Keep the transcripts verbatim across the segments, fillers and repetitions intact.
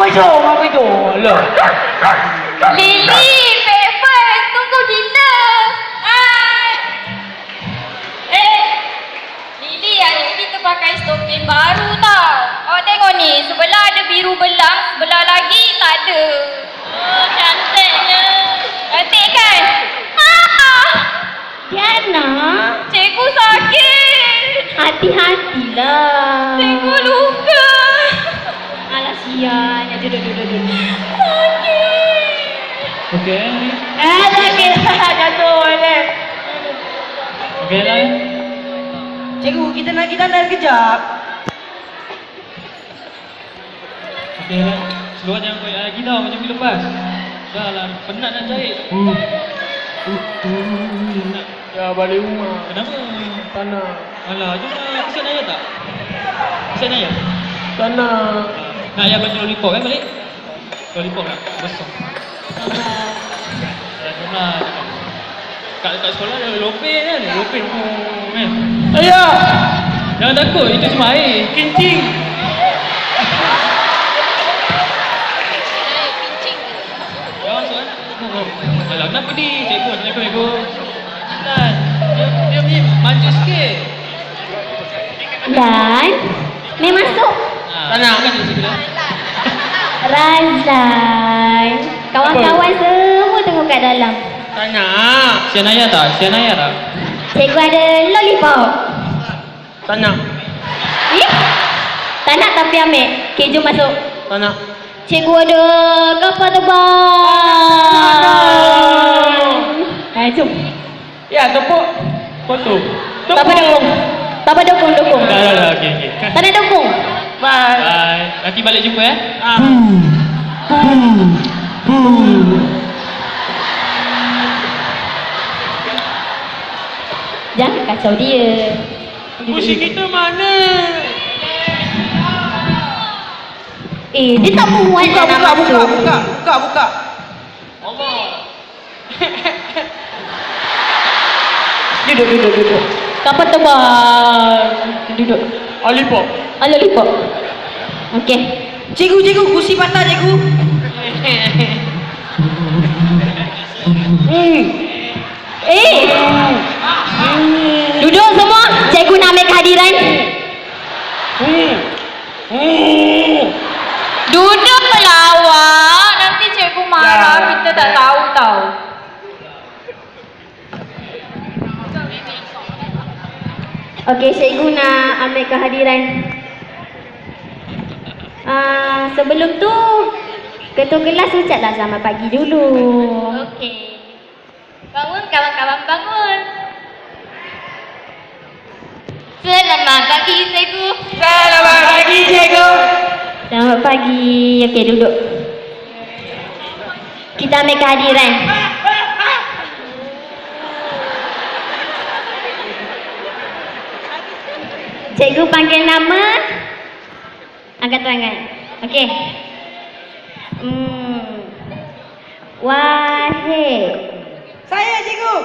Apa tu? Apa tu? Loh. Lily, paper, tunggu kita. Hai. Eh, Lily, hari kita pakai stopin baru tau. Awak tengok ni, sebelah ada biru belang, sebelah lagi tak ada. Oh, cantiknya. Cantik kan? Ah! Diana, Cikgu sakit. hati-hatilah. Cikgu luka. Alah sian. Ya, duduk, duduk, duduk. Sakit. Okey. Eh, sakit. Jatuh ni. Okey lah. Cikgu, kita nak pergi tanda kejap. Okey lah. Seluar jangan koyak lagi tau macam minggu lepas. Dah lah, penat nak jahit. Hmm. Penat. Ya, balik rumah. Kenapa? Tanah. Alah, jom lah. Pesan ayah tak? Pesan ayah? Tanah. Nak ayah bagi lollipop kan balik? Lollipop lah, besar. Ya, jom lah. Kat, kat sekolah ada lopen kan? Lopen oh, kan? Ayah! Jangan takut, itu cuma air. Kencing! Jangan masuk kan? Alah, kenapa ni? Cikgu, Assalamualaikum, Cikgu. Kan? Dia, dia ni manja sikit. Dan, ni masuk. Ha, tanah kan cikgu dah. Razlan. Kawan-kawan semua tengok kat dalam. Tanah. Sian ayah tak? Sian ayah tak? Cikgu ada lollipop. Tanah. Eh? Tak nak tapi ambil. Okay, jom masuk. Tanah. Cikgu ada kapal terbang. Hai, jom. Ya, tepuk. Foto. Tak apa dukung. Tak apa dukung, dukung. Dah, dah, dah. Okey, okey. Tak nak dukung. Bye. Bye. Nanti balik jumpa eh. Ah. Jangan kacau dia. Kursi kita mana? Eh, dia tak muat Buka, nak buka, buka, masuk. buka, buka, buka. Allah. Duduk, duduk, duduk. Kapal terbang. Duduk. Lollipop. Ah, lollipop. Okey. Cikgu, cikgu, kursi patah, cikgu. Hmm. Eh. Duduk semua. Cikgu nak ambil kehadiran. Hmm. Hmm. Duduklah awak. Nanti cikgu marah. Ya. Kita tak tahu tau. Okey, cikgu nak ambil kehadiran. Uh, sebelum tu, ketua kelas ucaplah selamat pagi dulu. Okey. Bangun kawan-kawan, bangun. Selamat pagi cikgu. Selamat pagi, cikgu. Selamat pagi. Okey, duduk. Kita ambil kehadiran. Cikgu panggil nama. Angkat tangan. Okey. Hmm. Wahid. Saya, cikgu.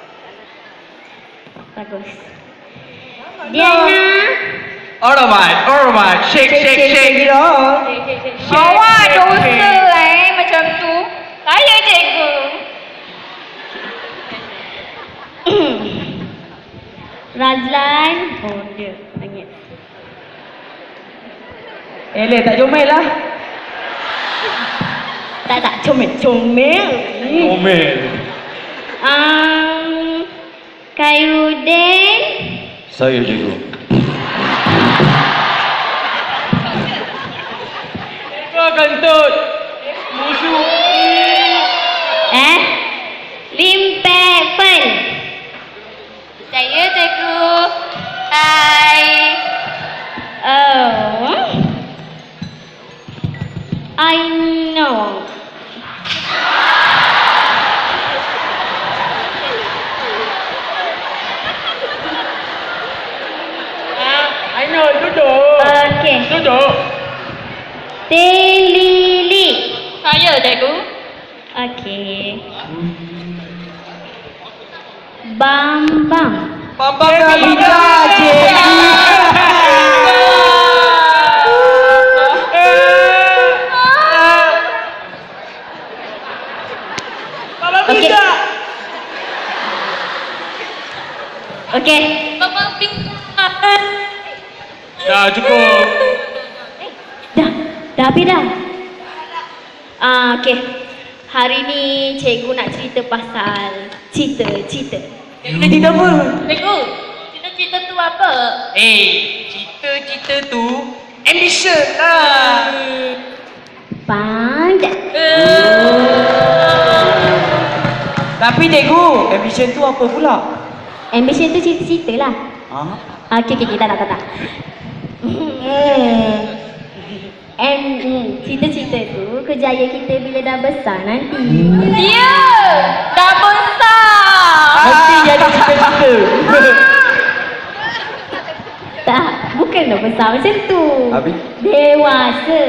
Bagus. Diana. Alright, alright. Shake, shake, shake it off. Awak dosa eh macam tu. Saya cikgu. Razlan. Oh, dia nangis. Eleh, tak comel lah. Tak, tak. Comel. Comel. Omel. Um, Khairudin. Saya cikgu. Kau kentut. Musuh. Eh? Limpek Fen. Saya cikgu. Hai. Oh. I know. I know, duduk. Okey. Duduk. Telili. Saya cikgu. Okey. Bambang. Bambang Nabila, cikgu. Okey. Mama ping. Dah cukup. Dah. Dah habis dah. Ah, okey. Hari ni cikgu nak cerita pasal cita-cita. Kita cerita apa? Cikgu, cita-cita tu apa? Eh, cita-cita tu ambition lah. Pandai. Tapi cikgu, ambition tu apa pula? Ambition tu cita-cita lah. Ha? Ah, okey, okey, tak, tak, tak, tak. Hmm. And hmm, cita-cita tu kejayaan kita bila dah besar nanti. Dia dah besar. Mesti jadi cita-cita. Tak, bukan dah besar macam tu. Habis? Dewasa.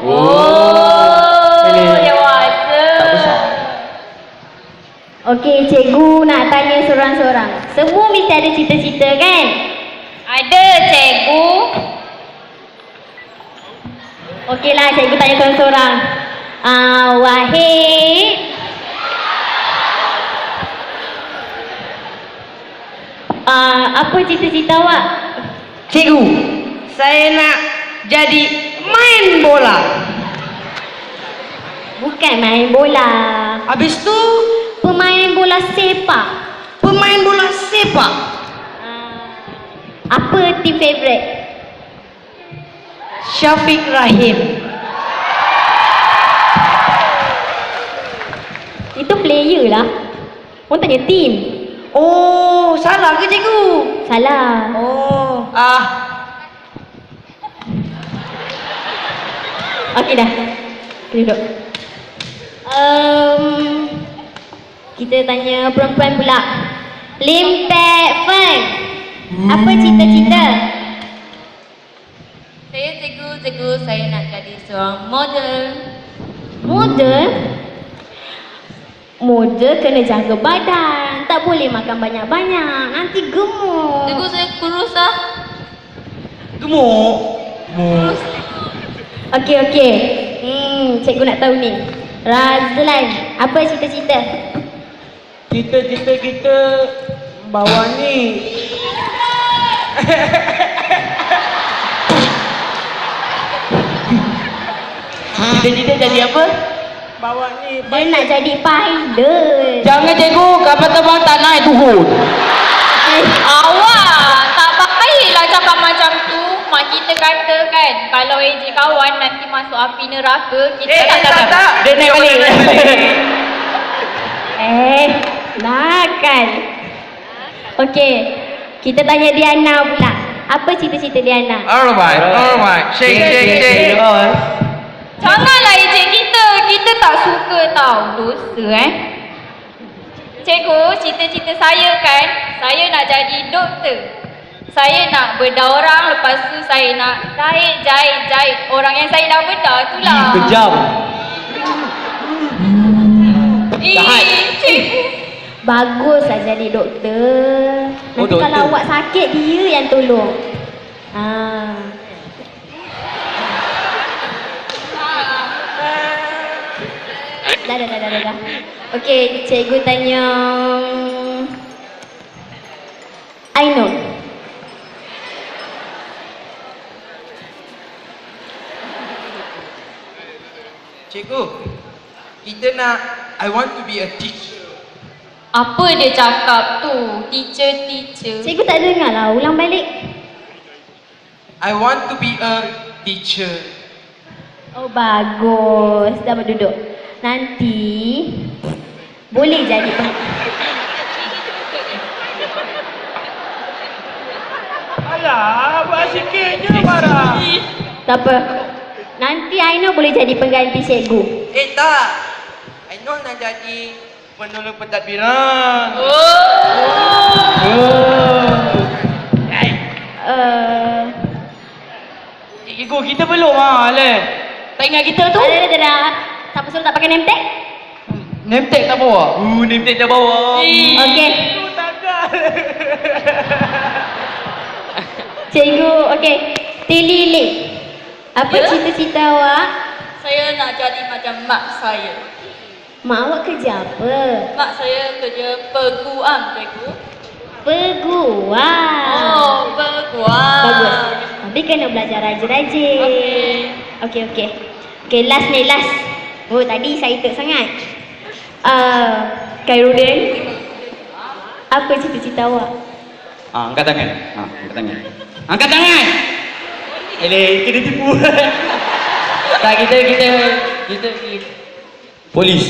Oh, Boleh. dewasa. Tak besar. Okey, cikgu nak tanya seorang-seorang. Semua mesti ada cita-cita kan? Ada, cikgu. Okeylah, cikgu tanya seorang-seorang. Ah, Wahid. Ah, apa cita-cita awak? Cikgu, saya nak jadi main bola. Bukan main bola. Habis tu Pemain bola sepak. pemain bola sepak. Ah, apa team favourite? Syafiq Rahim. Itu player lah. Orang tanya team. Oh, salah ke cikgu? Salah. Oh, ah, Okey dah. Kita duduk. Um, kita tanya perempuan pula. Lim Pek Fen. Apa cita-cita? Saya cikgu, cikgu saya nak jadi seorang model. Model? Model kena jaga badan. Tak boleh makan banyak-banyak. Nanti gemuk. Cikgu saya kurus lah. gemuk. Gemuk. Okey, okey. Hmm, cikgu nak tahu ni. Razlan, apa cita-cita? Cita-cita kita bawa ni. Cita-cita jadi apa? Bawa ni. Dia nak jadi pilot. Jangan cikgu, kapal terbang tak naik turun. Eh, Awak tak baiklah cakap macam tu. Mak kita kata kan, kalau ejek kawan nanti masuk api neraka, kita Eh, tak, tak, tak. Dia naik balik. Eh, nakal. Okey, kita tanya Diana pula. Apa cita-cita Diana? Alright, alright. Shake, shake, shake. Janganlah ejek kita. Kita tak suka tau. Dosa eh. Cikgu, cita-cita saya kan, saya nak jadi doktor. Saya nak bedah orang, lepas tu saya nak tarik, jahit, jahit orang yang saya dah bedah tu lah. Kejam. Ih, cikgu. Baguslah jadi doktor. Nanti Oh, doktor. kalau awak sakit, dia yang tolong. Ah. Dah, dah, dah, dah, dah, dah. Okey, cikgu tanya Ainul. Cikgu, kita nak I want to be a teacher. Apa dia cakap tu? Teacher, teacher. Cikgu tak dengar lah, ulang balik. I want to be a teacher. Oh, bagus. Dah berduduk. Nanti boleh jadi peng- Alah, buat sikit je marah. Tak apa. Nanti Ainul boleh jadi pengganti cikgu. Eh tak, I know nak jadi penolong pentadbiran. Uh, Cikgu, kita belum ah, le. Tak ingat kita tu? ada, ada, ada. Siapa suruh tak pakai name tag? Name tag tak bawa? Uh, name tag tak bawa. Okey. Cikgu, okey. Tili. Apa Ya? cita-cita awak? Saya nak jadi macam mak saya. Mak awak kerja apa? Mak saya kerja peguam, cikgu. Peguam. Oh, peguam. Bagus. Tapi kena belajar rajin-rajin. Okey. Okey, okey. Okey, last ni, last. Oh, tadi excited sangat. Uh, Khairudin, apa cita-cita awak? Ah, angkat tangan. Ah, angkat tangan. Angkat tangan. Eleh, kena tipu. Tak, kita kita kita polis.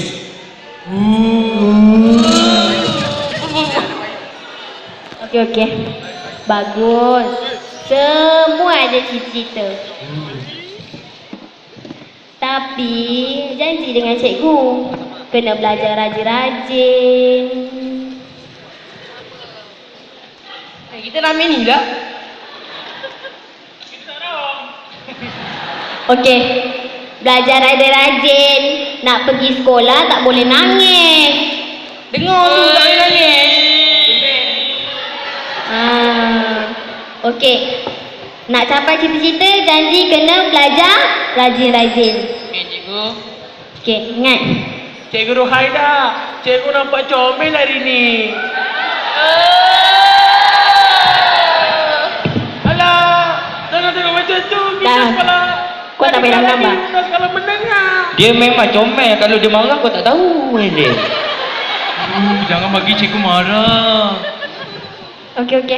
Okey, okey. Bagus. Semua ada cita-cita. Tapi janji dengan cikgu, kena belajar rajin-rajin. Eh, kita nak main ni lah. Okey. Belajar rajin-rajin. Nak pergi sekolah tak boleh nangis. Dengar tu, tak boleh nangis. Ah. Okey. Nak capai cita-cita, janji kena belajar rajin-rajin. Okey, cikgu. Okey, ingat. Cikgu Rohaida, cikgu nampak comel hari ni. Alah, jangan tengok macam tu. Kita Dah. sekolah. Kau tak payah gambar. Kita sekolah menengah. Dia memang comel. Kalau dia marah kau tak tahu dia. Uh, jangan bagi cikgu marah. Okey, okey.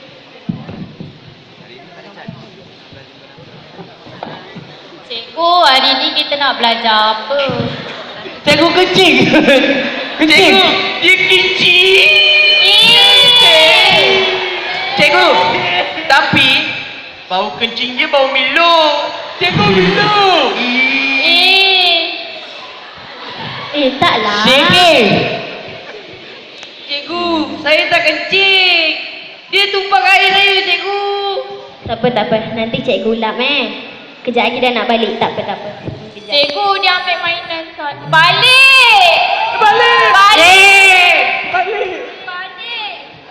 Cikgu, hari ni kita nak belajar apa? Cikgu kecil. Kecil. Dia kecil. Eh. Cikgu, tapi bau kencing dia bau Milo. Cikgu Milo. Eh. Eh, taklah. Cikgu. Cikgu, saya tak kencing. Dia tumpah air saya, cikgu. Tak apa, tak apa. Nanti cikgu lap eh. Kejap lagi dah nak balik. Tak apa, tak apa. Kejap. Cikgu, dia ambil mainan saya. Balik! Balik. Balik! Balik. Balik!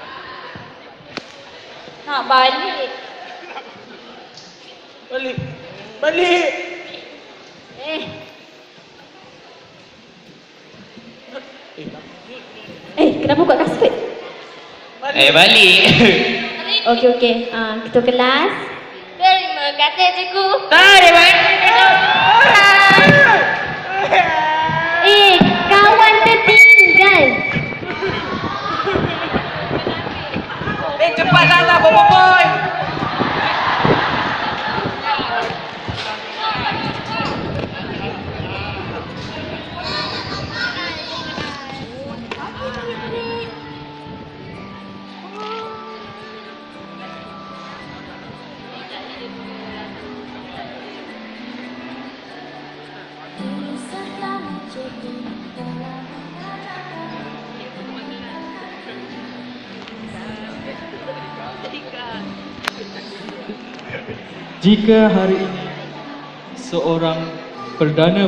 Nak balik. Balik. Balik. Eh. Eh, kenapa buat kasut? Eh, balik. Okey, okey. Ah, ketua kelas. Terima kasih, cikgu. Tarik, balik. Eh, kawan tertinggal. Eh, cepat lah, Bobo Boy. Jika hari ini seorang Perdana